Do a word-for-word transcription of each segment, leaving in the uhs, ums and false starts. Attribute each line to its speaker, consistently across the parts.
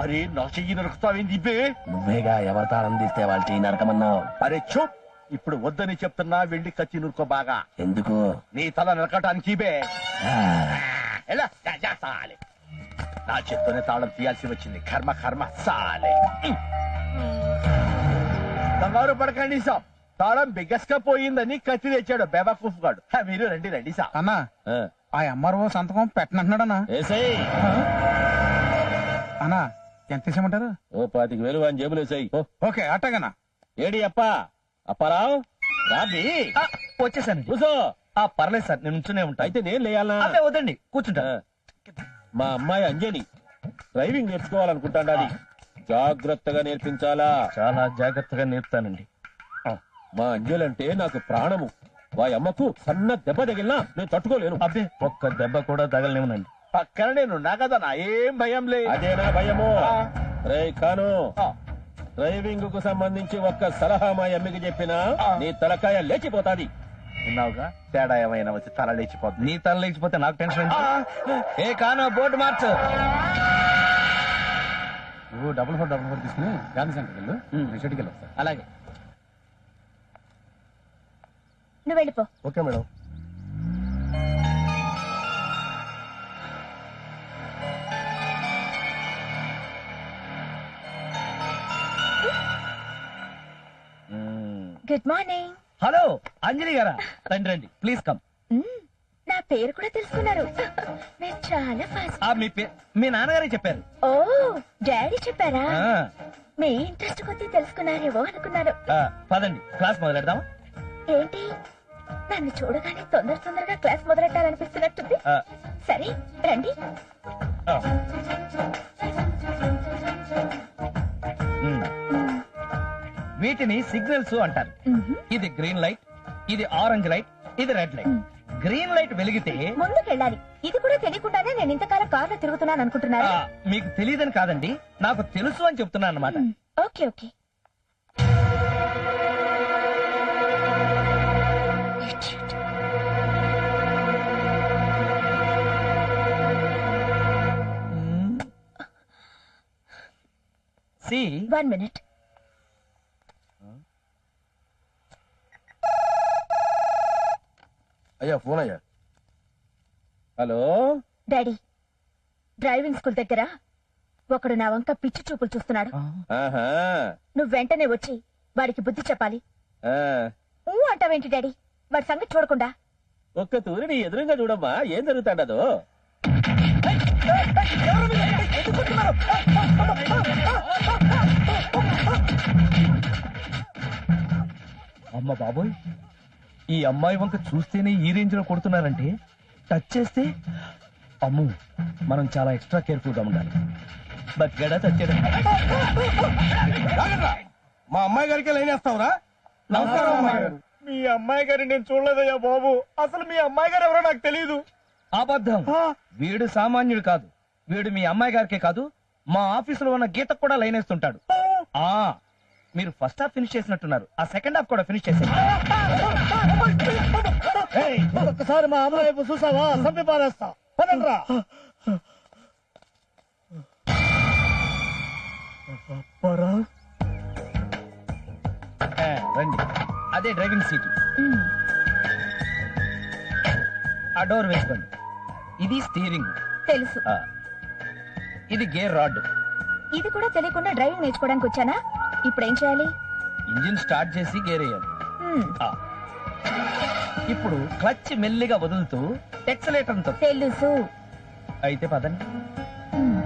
Speaker 1: అరే నా చెయ్యి నరుకుతావేంది బే?
Speaker 2: నువ్వేగా ఎవరి తాళం తీస్తే వాళ్ళ చెయ్యి నరకమన్నావు.
Speaker 1: అరే చూప్, ఇప్పుడు వద్దని చెప్తున్నా, వెళ్ళి కత్తి నురుకో బాగా.
Speaker 2: ఎందుకు?
Speaker 1: నీ తల నరకటానికి బే.
Speaker 2: ఆ,
Speaker 1: ఎలా గజా సాలే. నా చేత్తోనే తాళం తీయాల్సి వచ్చింది. కర్మ కర్మ సాలే. కంగారు పడకండి సాబ్, తాళం బిగ్గస్ గా పోయిందని కత్తి తెచ్చాడు బేబాకూఫ్ గాడు. హ, మీరు రండి రండి సాబ్.
Speaker 3: అన్నా ఆ ఎంఆర్ఓ సంతకం పెట్టనంటున్నాడన్నా.
Speaker 2: ఏసేయ్.
Speaker 3: అన్నా ఎంత తీసేయమంటారు?
Speaker 2: ఓ పాతికి వేలు అని జేబులు వేసాయి.
Speaker 3: ఓకే అట్టగనా.
Speaker 2: ఏడి అప్ప అప్పారావు రాబి.
Speaker 1: వచ్చేసాను.
Speaker 2: కూసో.
Speaker 1: ఆ పర్లేదు సార్, నేను ఉంటూనే ఉంటా.
Speaker 2: అయితే నేను లేయాలా?
Speaker 1: అబ్బే వద్దండి, కూర్చుంటా.
Speaker 2: మా అమ్మాయి అంజని డ్రైవింగ్ నేర్చుకోవాలనుకుంటాండి. అది జాగ్రత్తగా నేర్పించాలా?
Speaker 1: చాలా జాగ్రత్తగా నేర్పుతానండి.
Speaker 2: మా అంజలి అంటే నాకు ప్రాణము. వారి అమ్మకు సన్న దెబ్బ తగిలినా నేను తట్టుకోలేను.
Speaker 1: అబ్బే ఒక్క దెబ్బ కూడా తగలనివ్వనండి. పక్కన నేనున్నా కదా, నా ఏం భయం లేదు.
Speaker 2: అదేనా భయము? రే కాను, డ్రైవింగ్ కు సంబంధించి ఒక్క సలహా మా అమ్మకి చెప్పినా నీ తలకాయ లేచిపోతాది.
Speaker 1: విన్నావుగా, తేడా ఏమైనా వచ్చి తల లేచిపోతుంది. నీ తల లేచిపోతే నాకు టెన్షన్. ఏ కాను, బోర్డు మార్చు.
Speaker 3: నువ్వు డబుల్ ఫోర్ డబుల్ ఫోర్ తీసుకుని గాంధీ సెంటర్కి వెళ్ళు. షెడ్కి వెళ్ళి వస్తా.
Speaker 1: అలాగే.
Speaker 4: నువ్వు వెళ్ళిపో.
Speaker 1: Okay madam.
Speaker 4: Good morning.
Speaker 1: Hello Anjali గారా, రండి రండి, ప్లీజ్ కమ్.
Speaker 4: నా పేరు కూడా తెలుసుకున్నారు. మీరు చాలా ఫాస్ట్.
Speaker 1: మీ పేరు మీ నాన్నగారే చెప్పారు.
Speaker 4: ఓ డాడీ చెప్పారా?
Speaker 1: ఆ,
Speaker 4: మీ ఇంట్రెస్ట్ కొద్దీ తెలుసుకున్నారేవో అనుకున్నారు.
Speaker 1: ఆ, పదండి క్లాస్ మొదలెడదాం.
Speaker 4: ఏంటి నన్ను చూడగానే తొందర తొందరగా క్లాస్ మొదలెట్టాలనిపిస్తున్నట్టుంది.
Speaker 1: ఆ,
Speaker 4: సరే రండి.
Speaker 1: ఆ. మ్. వీటిని సిగ్నల్స్ అంటారు.
Speaker 4: మ్మ్.
Speaker 1: ఇది గ్రీన్ లైట్, ఇది ఆరెంజ్ లైట్, ఇది రెడ్ లైట్.
Speaker 4: మ్.
Speaker 1: గ్రీన్ లైట్ వెలిగితే
Speaker 4: ముందుకెళ్ళాలి. ఇది కూడా తెలియకుండానే నేను ఇంతకాలం కార్లో తిరుగుతున్నాను అనుకుంటున్నారా?
Speaker 1: ఆ, మీకు తెలియదని కాదండి, నాకు తెలుసు అని చెప్తున్నాను అన్నమాట.
Speaker 4: మ్. Okay okay.
Speaker 1: See
Speaker 4: one minute.
Speaker 2: అయ్యా ఫోన్ అయ్యా. హలో
Speaker 4: డాడీ, డ్రైవింగ్ స్కూల్ దగ్గర ఒకడు నా వంక పిచ్చి చూపులు చూస్తున్నాడు.
Speaker 2: ఆహా.
Speaker 4: నువ్వు వెంటనే వచ్చి వాడికి బుద్ధి చెప్పాలి.
Speaker 2: ఆ.
Speaker 4: ఊ అంటావేంటి డాడీ? వాడి సంగతి చూడకుండా.
Speaker 2: ఒక్క తూరి నీ ఎదురుగా చూడమ్మా, ఏం జరుగుతాడదో.
Speaker 1: అమ్మ బాబోయ్, ఈ అమ్మాయి వంక చూస్తేనే ఈ రేంజ్ లో కొడుతున్నారంటే టచ్ చేస్తే అమ్ము, మనం చాలా ఎక్స్ట్రా కేర్ఫుల్ గా ఉండాలి. బగ్గడా టచ్.
Speaker 3: మా అమ్మాయి గారికి లైన్ వేస్తావురా? నమస్కారం అమ్మాయి గారు.
Speaker 1: మీ అమ్మాయి గారి నేను చూడలేదయ్యా బాబు. అసలు మీ అమ్మాయి గారు ఎవరో నాకు తెలియదు. అబద్ధం. వీడు సామాన్యుడు కాదు. వీడు మీ అమ్మాయి గారికే కాదు, మా ఆఫీసులో ఉన్న గీతకు కూడా లైన్ వేస్తుంటాడు. ఆ మీరు ఫస్ట్ హాఫ్ ఫినిష్ చేసినట్టున్నారు, ఆ సెకండ్ హాఫ్ కూడా ఫినిష్ చేసేయండి.
Speaker 3: ఒక్కసారి మా అమ్మాయి వైపు చూసావా? సంపి పారేస్తా. పదండ్రా.
Speaker 1: ఆ, రండి. అదే డ్రైవింగ్ సీట్.
Speaker 4: మ్.
Speaker 1: ఆ డోర్ వేసుకోండి. ఇది స్టీరింగ్.
Speaker 4: తెలుసు.
Speaker 1: ఆ, ఇది గేర్ రాడ్.
Speaker 4: ఇది కూడా తెలియకుండా డ్రైవింగ్ నేర్చుకోవడానికి వచ్చానా? ఇప్పుడు ఏం చేయాలి?
Speaker 1: ఇంజిన్ స్టార్ట్ చేసి గేర్ వేయాలి.
Speaker 4: మ్.
Speaker 1: ఆ. ఇప్పుడు క్లచ్ మెల్లిగా వదులుతూ ఎక్సలేటర్ తో.
Speaker 4: తెలుసు.
Speaker 1: అయితే పదండి.
Speaker 4: మ్.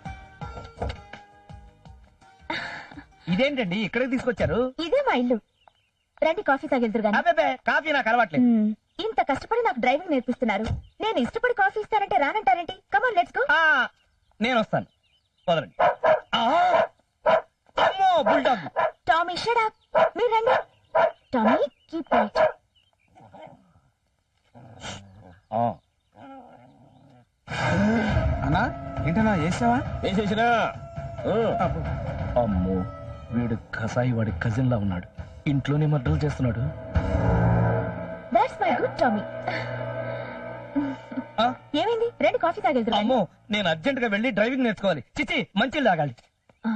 Speaker 1: ఇదేంటండి ఇక్కడికి తీసుకొచ్చారు?
Speaker 4: ఇదే మా ఇల్లు. రండి కాఫీ తాగెళ్తురు గాని
Speaker 1: అబ్బే కాఫీ నాకు అలవాట్లేదు.
Speaker 4: మ్మ్. ఇంత కష్టపడి నాకు డ్రైవింగ్ నేర్పిస్తున్నారు, నేను ఇష్టపడి కాఫీ ఇస్తానంటే రానంటారేంటి? Come on let's go.
Speaker 1: ఆ, నేను వస్తాను, వదలండి. ఆ, అమ్మో బుల్డాగ్.
Speaker 4: Tommy shut up. మీరు రండి. Tommy keep right.
Speaker 3: అన్నా ఏంటన్నా చేసావా?
Speaker 2: వేసేసినా ఆ.
Speaker 1: అమ్మో వీడు కసాయి వాడి కజిన్ లా ఉన్నాడు, ఇంట్లోనే మర్డర్లు చేస్తున్నాడు.
Speaker 4: That's my good Tommy.
Speaker 1: ఆ,
Speaker 4: ఏమైంది? రండి కాఫీ తాగెళ్తురు గాని.
Speaker 1: అమ్మో నేను అర్జెంట్ గా వెళ్ళి డ్రైవింగ్ నేర్చుకోవాలి. చిచి మంచి తాగాలి.
Speaker 4: ఆ?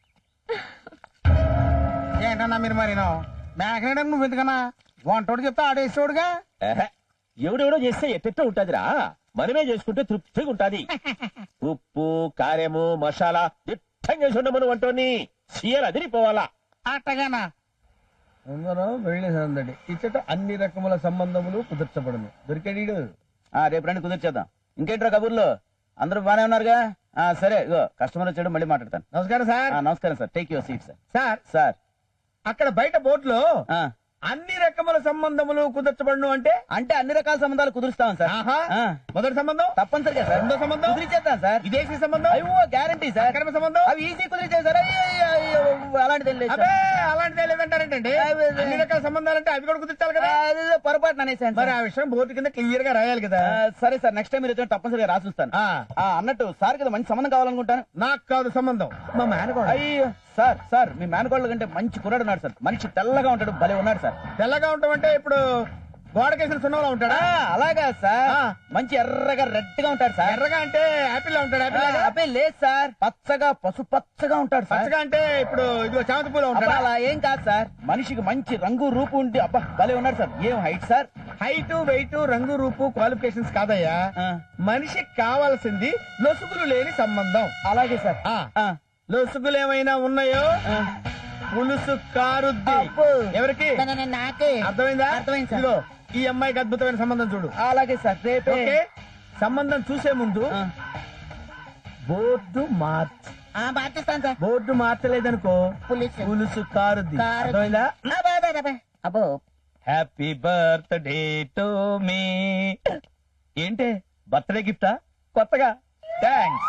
Speaker 3: ఏంటన్నా మీరు మరి మేకనేయడం నువ్వు ఎందుకన్నా? వంటోడు చెప్తే ఆడేసేవాడుగా.
Speaker 2: ఏహే, ఎవడెవడో చేస్తే ఎట్టెట్టో ఉంటదిరా, మనమే చేసుకుంటే తృప్తిగా ఉంటది. ఉప్పు కారము మసాలా దిట్టంగా చేసి ఉండమను వంటోని సీఎల్ అదిరిపోవాలా.
Speaker 3: అట్టగానా?
Speaker 1: అందరూ వెళ్ళి సందడి ఇచ్చట అన్ని రకముల సంబంధములు కుదర్చబడును. దొరికాడు.
Speaker 5: రేపు రండి కుదిర్చేద్దాం. ఇంకేంట్రా కబుర్లు? అందరూ బానే ఉన్నారుగా? ఆ, సరే ఇగో కస్టమర్ వచ్చాడు, మళ్ళీ మాట్లాడతాను.
Speaker 1: నమస్కారం సార్.
Speaker 5: ఆ, నమస్కారం sir, take your seat sir.
Speaker 1: Sir
Speaker 5: sir
Speaker 1: అక్కడ బయట బోర్డులో
Speaker 5: ఆ,
Speaker 1: అన్ని రకముల సంబంధములు కుదర్చబడును అంటే
Speaker 5: అంటే అన్ని రకాల సంబంధాలు కుదురుస్తాం సార్.
Speaker 1: ఆహా.
Speaker 5: ఆ,
Speaker 1: మొదటి సంబంధం,
Speaker 5: తప్పనిసరిగా సార్.
Speaker 1: రెండో సంబంధం,
Speaker 5: కుదిరిచేద్దాం సార్.
Speaker 1: విదేశీ సంబంధం,
Speaker 5: అయ్యో గ్యారంటీ సార్.
Speaker 1: అక్రమ సంబంధం.
Speaker 5: అవి ఈజీ కుదిరిచేది సార్. అయ్యో, అయ్యో, అయ్యో, అలాంటిది ఏం లేదు
Speaker 1: అబ్బే
Speaker 5: సార్.
Speaker 1: అలాంటిదే లేదంటారేంటండి?
Speaker 5: అబ్బే, అబ్బే.
Speaker 1: అన్ని రకాల సంబంధాలంటే అవి కూడా కుదిర్చాలి కదా.
Speaker 5: ఆ, అదేదో పొరపాటున అనేసాను
Speaker 1: మరి
Speaker 5: సార్.
Speaker 1: ఆ విషయం బోర్డు కింద క్లియర్ గా రాయాలి కదా.
Speaker 5: ఆ, సరే సార్, నెక్స్ట్ టైం మీరు వచ్చిన తప్పనిసరిగా రాసిస్తాను.
Speaker 1: ఆ,
Speaker 5: ఆ, అన్నట్టు సార్ కదా మంచి సంబంధం కావాలనుకుంటాను.
Speaker 1: నాకు కాదు సంబంధం, మా మేనకోడ.
Speaker 5: అయ్యో సార్, సార్ మీ మేనకోళ్ళ కంటే మంచి కుర్రాడు ఉన్నాడు సార్. మనిషి తెల్లగా ఉంటాడు, భలే ఉన్నాడు సార్.
Speaker 1: తెల్లగా ఉంటామంటే ఇప్పుడు గోడకేసిన సున్నంలో ఉంటాడా?
Speaker 5: ఆ, అలాగా సార్.
Speaker 1: ఆ.
Speaker 5: మంచి ఎర్రగా రెడ్ గా ఉంటాడు సార్.
Speaker 1: ఎర్రగా అంటే యాపిల్ లా ఉంటాడు. యాపిల్ లాగా?
Speaker 5: అబ్బాయి లేదు సార్, పచ్చగా పసుపచ్చగా ఉంటాడు సార్.
Speaker 1: పచ్చగా అంటే ఇప్పుడు ఇదిగో చామంతి పూలో
Speaker 5: అబ్బా,
Speaker 1: ఉంటాడా?
Speaker 5: అలా ఏం కాదు సార్, మనిషికి మంచి రంగు రూపు ఉండి అబ్బా భలే ఉన్నాడు సార్. ఏం హైట్ సార్?
Speaker 1: హైట్ వెయిట్ రంగు రూపు క్వాలిఫికేషన్స్ కాదయ్యా,
Speaker 5: ఆ,
Speaker 1: మనిషికి కావాల్సింది లొసుగులు లేని సంబంధం.
Speaker 5: అలాగే సార్.
Speaker 1: ఆ
Speaker 5: ఆ,
Speaker 1: లొసుగులు ఏమైనా ఉన్నాయో
Speaker 5: ఆ.
Speaker 1: పులుసు కారుద్ది.
Speaker 5: అబ్బో.
Speaker 1: ఎవరికి?
Speaker 5: నాకే
Speaker 1: అర్థమైందా?
Speaker 5: అర్థమైంది సార్.
Speaker 1: ఇదిగో ఈ అమ్మాయికి అద్భుతమైన సంబంధం చూడు.
Speaker 5: అలాగే సార్, రేపే.
Speaker 1: ఓకే, సంబంధం చూసే ముందు
Speaker 5: ఆ,
Speaker 1: బోర్డు మార్చ్.
Speaker 5: ఆ, మార్చేస్తాను సార్.
Speaker 1: బోర్డు మార్చలేదనుకో
Speaker 5: పులుసు.
Speaker 1: పులుసు కారుద్ది.
Speaker 5: కారుద్ది.
Speaker 1: అర్థమైందా?
Speaker 5: అబ్బా, అబ్బా, అబ్బా. అబ్బో
Speaker 1: హ్యాపీ బర్త్డే టు మీ. ఏంటే బర్త్డే గిఫ్టా కొత్తగా? థ్యాంక్స్.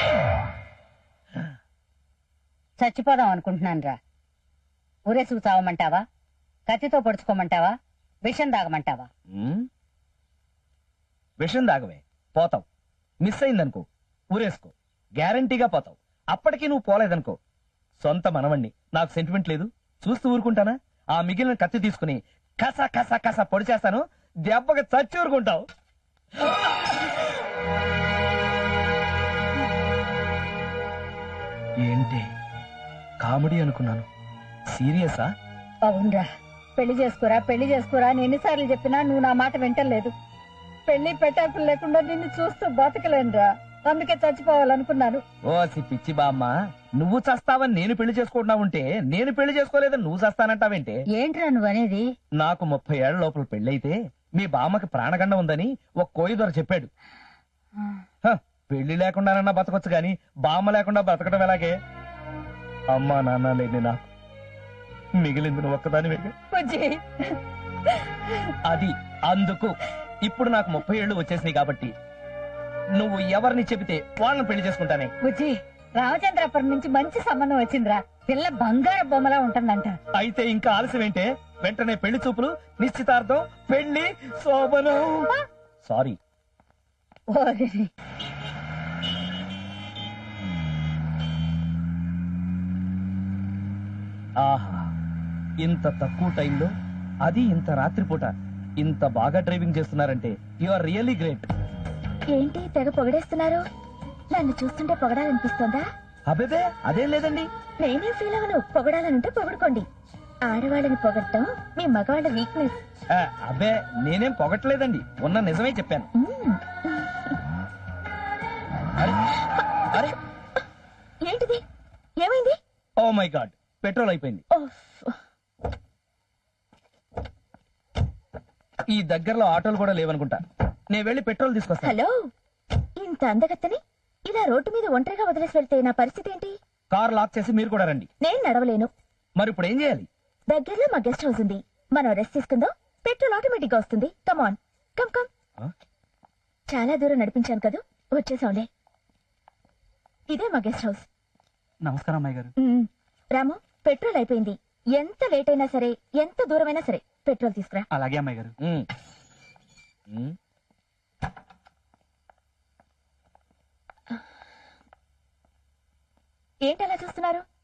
Speaker 6: చచ్చిపోదాం అనుకుంటున్నాను రా. ఊరేసుకు చావమంటావా? కత్తితో పొడుచుకోమంటావా? విషం తాగమంటావా?
Speaker 1: ఉమ్, విషం దాగవే పోతావు. మిస్ అయిందనుకో ఊరేసుకో, గ్యారంటీగా పోతావు. అప్పటికీ నువ్వు పోలేదనుకో సొంత మనవణ్ణి, నాకు సెంటిమెంట్ లేదు, చూస్తూ ఊరుకుంటానా? ఆ మిగిలిన కత్తి తీసుకుని కస కస కస పొడి చేస్తాను, దెబ్బకి చచ్చి ఊరుకుంటావు. ఏంటి కామెడీ అనుకున్నాను, సీరియసా?
Speaker 6: అవునరా, పెళ్లి చేసుకోరా పెళ్లి చేసుకోరా అని ఎన్నిసార్లు చెప్పినా నువ్వు నా మాట వింటలేదు. పెళ్లి పెట్టాకులు లేకుండా నిన్ను చూస్తూ బతకలేనురా, అందుకే చచ్చిపోవాలనుకున్నాను.
Speaker 1: ఓ సి పిచ్చి బామ్మ, నువ్వు చస్తావని నేను పెళ్లి చేసుకుంటున్నా ఉంటే నేను పెళ్లి చేసుకోలేదని నువ్వు చస్తానంటావేంటే?
Speaker 6: ఏంట్రా నువ్వు అనేది?
Speaker 1: నాకు ముప్పై ఏళ్ల లోపల పెళ్ళైతే మీ బామ్మకి ప్రాణగండం ఉందని ఒక కోయి దొర చెప్పాడు. హ, పెళ్లి లేకుండానన్నా బతకొచ్చు గాని బామ్మ లేకుండా బతకడం ఎలాగే? అమ్మా నాన్న లేని నాకు మిగిలింది నువ్వు ఒక్కదాని వేగ.
Speaker 6: బుజ్జి,
Speaker 1: అది అందుకు ఇప్పుడు నాకు ముప్పై ఏళ్ళు వచ్చేసినాయి కాబట్టి నువ్వు ఎవరిని చెబితే వాళ్ళని పెళ్లి చేసుకుంటానే.
Speaker 6: బుజ్జి, రామచంద్రపురం నుంచి మంచి సంబంధం వచ్చిందిరా. పిల్ల బంగారు బొమ్మలా ఉంటుందంట.
Speaker 1: అయితే ఇంకా ఆలస్యం ఏంటే? వెంటనే పెళ్లి చూపులు, నిశ్చితార్థం, పెళ్లి శోభనం. సారీ.
Speaker 6: ఓరి.
Speaker 1: ఆహా, ఇంత తక్కువ టైంలో, అది ఇంత రాత్రిపూట ఇంత బాగా డ్రైవింగ్ చేస్తున్నారంటే యు ఆర్ రియల్లీ గ్రేట్.
Speaker 4: ఏంటి తెగ పొగడేస్తున్నారు? నన్ను చూస్తుంటే పొగడాలనిపిస్తోందా?
Speaker 1: అబేబే అదేం లేదండి.
Speaker 4: నేనే ఫీల్ అవను. పొగడాలనుంటే పొగడుకోండి. ఆడవాళ్ళని పొగడటం మీ మగవాళ్ళ వీక్నెస్.
Speaker 1: ఆ, అబ్బే నేనేం పొగట్లేదండి, ఉన్న నిజమే చెప్పాను. అరే, అరే,
Speaker 4: ఏంటిది? ఏమైంది?
Speaker 1: ఓ మై గాడ్, పెట్రోల్ అయిపోయింది.
Speaker 4: ఓఫ్.
Speaker 1: ఈ దగ్గరలో ఆటోలు కూడా లేవనుకుంటా, నేను వెళ్ళి పెట్రోల్ తీసుకొస్తాను.
Speaker 4: హలో, ఇంత అందగత్తని ఇలా రోడ్డు మీద ఒంటరిగా వదిలేసి వెళ్తే నా పరిస్థితి ఏంటి?
Speaker 1: కార్ లాక్ చేసి మీరు కూడా రండి.
Speaker 4: నేను నడవలేను.
Speaker 1: మరి ఇప్పుడు ఏం చేయాలి?
Speaker 4: దగ్గరలో మా గెస్ట్ హౌస్ ఉంది, మనం రెస్ట్ తీసుకుందాం, పెట్రోల్ ఆటోమేటిక్ గా వస్తుంది. Come on, come come.
Speaker 1: Huh?
Speaker 4: చాలా దూరం నడిపించాను కదా, వచ్చేసాంలే. ఇదే మా గెస్ట్ హౌస్.
Speaker 5: నమస్కారం అమ్మాయి గారు.
Speaker 4: ఉమ్, రాము, పెట్రోల్ అయిపోయింది. ఎంత లేట్ అయినా సరే, ఎంత దూరమైనా సరే పెట్రోల్ తీసుకురా.
Speaker 5: అలాగే అమ్మాయి గారు.
Speaker 1: ఉమ్. ఉమ్.
Speaker 4: ఏంటి అలా చూస్తున్నారు?